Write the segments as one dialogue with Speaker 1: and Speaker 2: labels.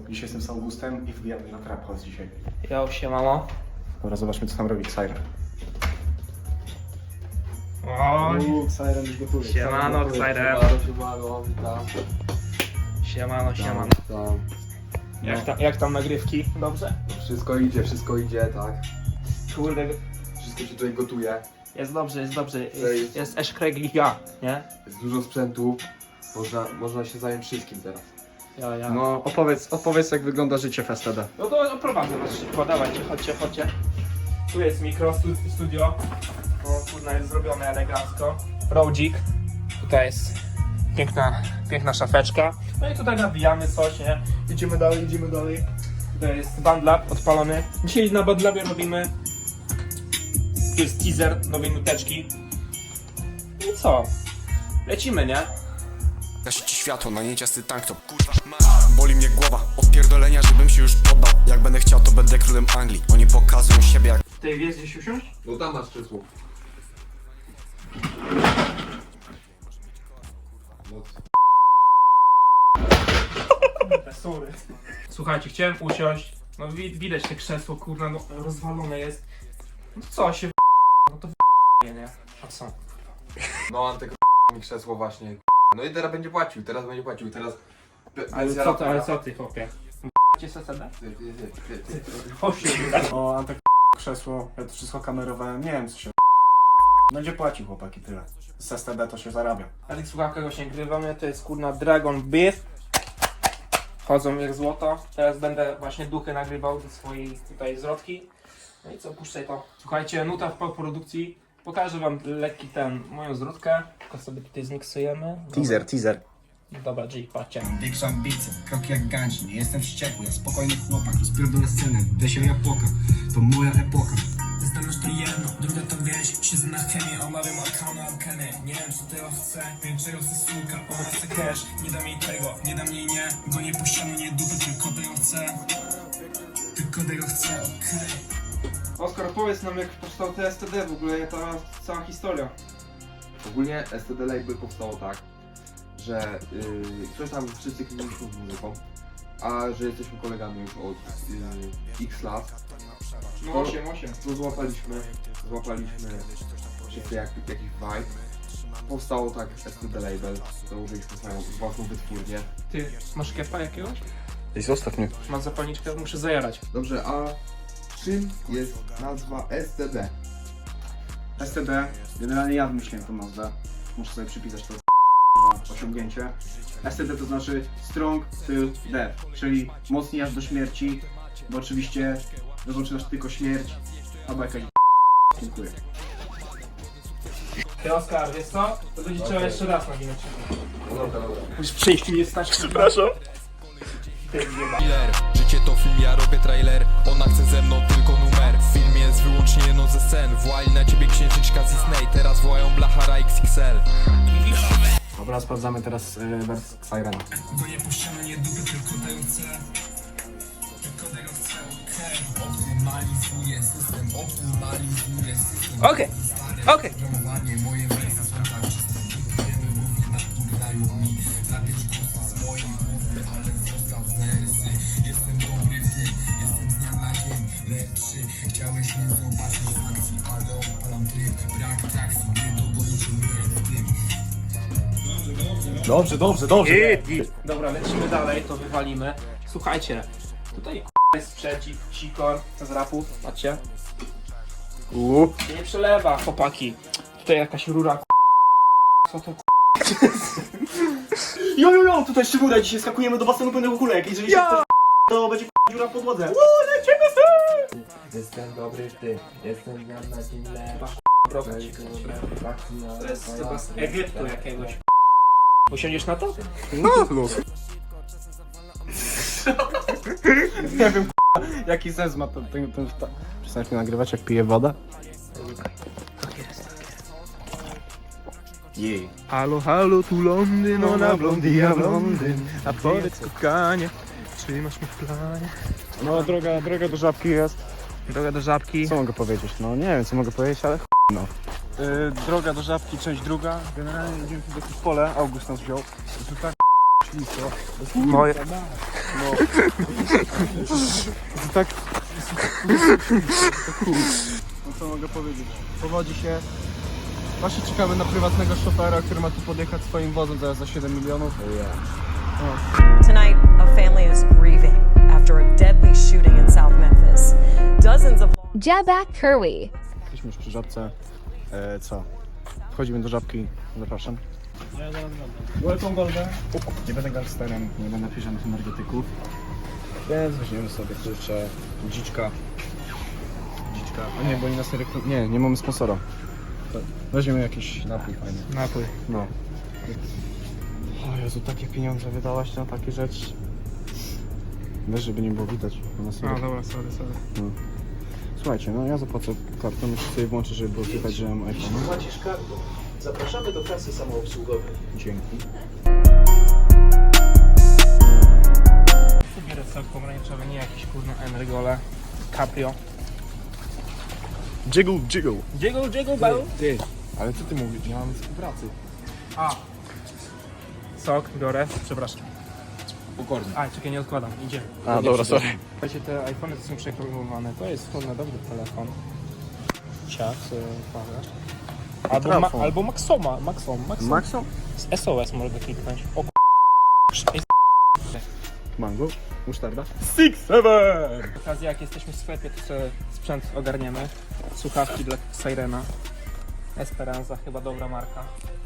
Speaker 1: Dzisiaj jestem z Augustem i wbijamy na Trap House dzisiaj.
Speaker 2: Jo, siemano.
Speaker 1: Dobra, zobaczmy co tam robi Siren.
Speaker 2: Oj,
Speaker 1: Siren już gotuje.
Speaker 2: siemano, Xairem.
Speaker 3: Siemano, witam.
Speaker 2: Siemano.
Speaker 3: Tam.
Speaker 2: Jak tam nagrywki? Dobrze?
Speaker 3: Wszystko idzie, tak.
Speaker 2: Kurde,
Speaker 3: Wszystko się tutaj gotuje.
Speaker 2: jest dobrze.
Speaker 3: Tutaj
Speaker 2: Jest Eszkregliga, nie?
Speaker 3: jest dużo sprzętu. Można się zająć wszystkim teraz.
Speaker 2: Ja.
Speaker 1: No opowiedz jak wygląda życie w STD.
Speaker 2: No to oprowadzę was szybko, dawajcie, chodźcie. Tu jest mikro, studio. O, kurna, jest zrobione elegancko. Rodzik. Tutaj jest piękna szafeczka. No i tutaj nawijamy coś, nie? Idziemy dalej. Tutaj jest bandlab odpalony. Dzisiaj na bandlabie robimy... Tu jest teaser nowej nuteczki. I co? Lecimy, nie?
Speaker 4: Gasi ci światło, na nieciasty tank top. Kurwa, boli mnie głowa od pierdolenia, żebym się już poddał. Jak będę chciał, to będę królem Anglii. Oni pokazują siebie jak...
Speaker 2: Tutaj jest gdzieś usiąść?
Speaker 3: No tam masz krzesło.
Speaker 2: Sorry. Słuchajcie, chciałem usiąść. No widać te krzesło, kurna, no rozwalone jest. No to co się no to nie? A co?
Speaker 3: No Antek mi krzesło właśnie. No i teraz będzie płacił. Teraz.
Speaker 2: Ale co ty, chłopie? Cię SSD?
Speaker 3: Ty.
Speaker 2: Chodź się.
Speaker 1: O, Antek krzesło, ja to wszystko kamerowałem, nie wiem co się będzie płacił chłopaki tyle. Z STD to się zarabia.
Speaker 2: Na tych słuchawkach właśnie grywamy, to jest kurna Dragon Beef. Chodzą jak złoto. Teraz będę właśnie duchy nagrywał do swojej tutaj zwrotki. No i co, puszczaj to. Słuchajcie, nuta w produkcji. Pokażę wam lekki moją zwrotkę. Tylko sobie tutaj zmiksujemy.
Speaker 1: Teaser.
Speaker 2: Dobra, G, patrzcie.
Speaker 5: Większa ambicja, kroki jak ganci. Nie jestem wściekły, ja spokojny chłopak. Rozpierdolę scenę, desie japoka. To moja epoka. Zdolność to jedno, druga to wieś. Siedzę na chemię, omawiam arkany, arkany. Nie wiem co tego chce, wiem czego chce suka. Ona chce cash, nie dam jej tego, nie dam jej nie. Go nie puściano, nie dupy, tylko tego chce, okej.
Speaker 2: Oskar, powiedz nam jak powstał TSTD w ogóle, ta cała historia.
Speaker 3: Ogólnie STD Label powstało tak, że coś tam wszyscy kręciliśmy z muzyką, a że jesteśmy kolegami już od x lat,
Speaker 2: No
Speaker 3: To-
Speaker 2: 8.
Speaker 3: to złapaliśmy wszyscy jakiś vibe. Powstało tak STD Label, założyliśmy swoją własną wytwórnię.
Speaker 2: Ty, masz kepa jakiegoś?
Speaker 1: Ej, zostaw mnie.
Speaker 2: Mam zapalniczkę, muszę zajarać.
Speaker 3: Dobrze, a czym jest nazwa STD?
Speaker 1: STD, generalnie ja wymyśliłem tą nazwę. Muszę sobie przypisać to osiągnięcie. STD to znaczy Strong Till Death, czyli mocniej aż do śmierci, bo oczywiście wyznaczysz tylko śmierć, albo jakaś dziękuję.
Speaker 2: Ty Oskar, wiesz co? To będzie trzeba jeszcze raz naginać.
Speaker 3: No dobra.
Speaker 2: Musisz przejść mi jest stać. Przepraszam.
Speaker 4: Killer. Życie to film, ja robię trailer. Ona chce ze mną tylko numer. W filmie jest wyłącznie jedno ze scen. Włali na ciebie księżyczka z Disney. Teraz wołają Blachara XXL.
Speaker 1: Dobra, sprawdzamy teraz wers Sirena.
Speaker 5: Go nie puściano, nie dupy, tylko tego chce, okej. Optymalizuję system,
Speaker 2: Okej.
Speaker 5: Programowanie, moje wersje są tak czyste. Wiemy, mówi naturlają mi. Zabierz głos z mojej głowy, ale zostaw wersy. Jestem dobry w tym, jestem z dnia na dzień lepszy. Chciałeś mnie zobaczyć w akcji, ale odpalam tryb. Brak trakcji, nie dogonicie mnie w tym.
Speaker 1: Dobrze.
Speaker 2: Dobra, lecimy dalej, to wywalimy. Słuchajcie, tutaj jest sprzeciw, sikor z rapów, patrzcie. Się nie przelewa, chłopaki. Tutaj jakaś rura. Co to
Speaker 1: Jo, tutaj szczególe, dzisiaj skakujemy do basenu pełnego kulek, jeżeli się ktoś to będzie dziura w podłodze.
Speaker 3: Jestem dobry w tym, jestem z dnia na dzień lepszy.
Speaker 2: To jest chyba z Egiptu jakiegoś. Usiądziesz na to?
Speaker 1: Nie wiem jaki sens ma ten Przestaniesz mnie nagrywać jak piję wodę? Jej.
Speaker 2: Halo, tu Londyn, ona blondy, ja blondyn. A powiedz kochanie, czy masz mnie w planie?
Speaker 1: No droga do żabki jest.
Speaker 2: Droga do żabki.
Speaker 1: Co mogę powiedzieć? No nie wiem co mogę powiedzieć, ale no. Droga do żabki, część druga. Generalnie idziemy tu w jakieś pole, August nas wziął. Tu tak ślisko. Tak. No co mogę powiedzieć? Powodzi się. Właśnie czekamy na prywatnego szofera, który ma tu podjechać swoim wozem zaraz za 7 milionów.
Speaker 6: Tonight, a family is grieving after a deadly shooting in South Memphis. Dozens of
Speaker 7: Jabak Kerwi.
Speaker 1: Jesteśmy już przy żabce. Co? Wchodzimy do żabki. Zapraszam. Welcome Golden. Nie będę gangsterem, nie będę pije żadnych energetyków. Więc weźmiemy sobie kurczę dziczka. A nie, bo oni nas nie reklam... Nie mamy sponsora. Weźmiemy jakiś napój fajny.
Speaker 2: Napój.
Speaker 1: No. O Jezu, takie pieniądze wydałaś na takie rzeczy. Wiesz, żeby nie było widać.
Speaker 2: No dobra, sorry.
Speaker 1: Słuchajcie, no ja zapłacę kartą, jeszcze sobie włączę, żeby było słychać, że mam iPhone.
Speaker 8: Płacisz kartą. Zapraszamy do kasy samoobsługowej.
Speaker 1: Dzięki.
Speaker 2: Bierę sok pomarańczowy, nie jakiś kurna Energole. Caprio.
Speaker 1: Jiggle.
Speaker 2: Jiggle, bał.
Speaker 3: Ty, ale co ty mówisz? Nie mamy współpracy.
Speaker 2: A. Sok biorę, przepraszam.
Speaker 3: Pokornie.
Speaker 2: A, czekaj, nie odkładam, idzie.
Speaker 1: A, dobra, sorry.
Speaker 2: Słuchajcie, te iPhony to są przeprogramowane. To jest kurna dobry telefon. Ciach, sobie wkładasz.
Speaker 1: Telefon.
Speaker 2: Albo Maxom.
Speaker 1: Maxo?
Speaker 2: Z SOS mogę kliknąć. O
Speaker 1: Mango? Musztarda?
Speaker 2: 6-7! W okazji jak jesteśmy w sklepie, to sobie sprzęt ogarniemy. Słuchawki dla Sirena. Esperanza, chyba dobra marka.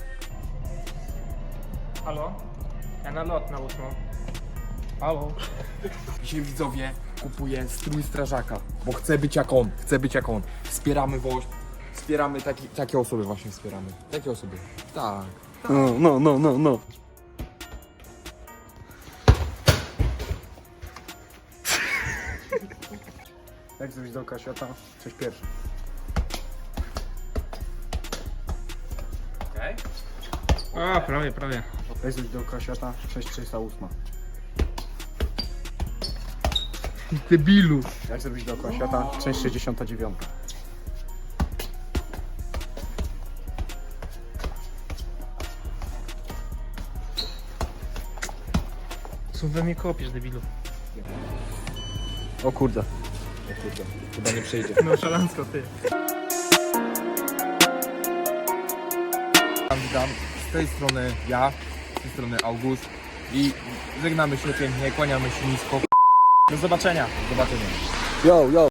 Speaker 2: Halo? Ja na lot na 8. Halo?
Speaker 3: Dzisiaj widzowie kupuję strój strażaka, bo chcę być jak on. Wspieramy WOŚP, wspieramy takie osoby właśnie wspieramy. Takie osoby. Tak.
Speaker 1: No. Jak zrobić dookoła świata? Coś pierwszy.
Speaker 2: O, prawie.
Speaker 1: Jak zrobić dookoła świata? 6308.
Speaker 2: Debilu.
Speaker 1: Jak zrobić dookoła świata? Część 69.
Speaker 2: Co we mnie kopiesz, debilu?
Speaker 1: O kurde.
Speaker 3: Chyba nie przejdzie.
Speaker 2: No szalencko, ty.
Speaker 3: Witam. Z tej strony ja, z tej strony August i żegnamy się pięknie, kłaniamy się nisko.
Speaker 2: Do zobaczenia.
Speaker 3: Do zobaczenia.
Speaker 1: Yo.